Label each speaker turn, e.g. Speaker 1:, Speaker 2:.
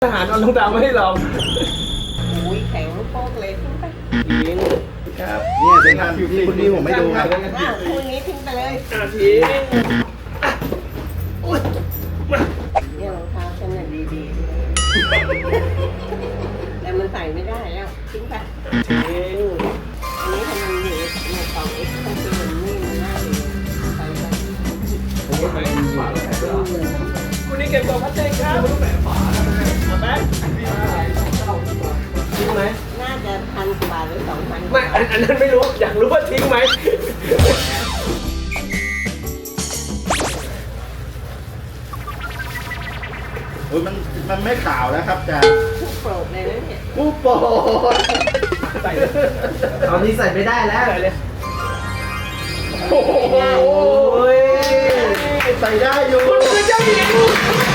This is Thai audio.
Speaker 1: อาหารเอารองเท้ามาให้ลอง
Speaker 2: โอ้ยแข็งลูกโป๊กเลยทิ้งไป
Speaker 1: ทิ้งครับ
Speaker 3: เนี่ยเป็นงานที่คุณดีผมไม่ดูครับ
Speaker 2: คู่นี้ทิ้งไปเลย
Speaker 1: ทิ้งโอ้ยมา
Speaker 2: เนี่ยรองเท้าฉันน่ะดีๆแต่มันใส่ไม่ได้แล้วทิ้งไป
Speaker 1: ทิ้ง
Speaker 2: อันนี้ทำไมมันอยู่ในกล่องเอ็กซ์คอมพิวเตอร์นี่มันน่าดีใส่ไป
Speaker 1: คุณนี่เก็บกล่องพลาสติกครับเอาไหมทิ้งไหม
Speaker 2: น่าจะ1,000 กว่าบาทหรือ2,000
Speaker 1: ไม่อันนั้นไม่รู้อยากรู้ว่าทิ้งไหม
Speaker 3: โอ้ยมันไม่ขาวแล้วครับอาจารย์
Speaker 2: ทุกโปรดเลยนะเนี่ย
Speaker 3: ผู้โปรด
Speaker 1: ใส่เลย
Speaker 3: ตอนนี้ใส่ไม่ได้แล้ว
Speaker 1: ใส่เลยโอ้โห
Speaker 3: โอ้ยใส่ได้อยู่
Speaker 1: คุณคือเจ้าหญิง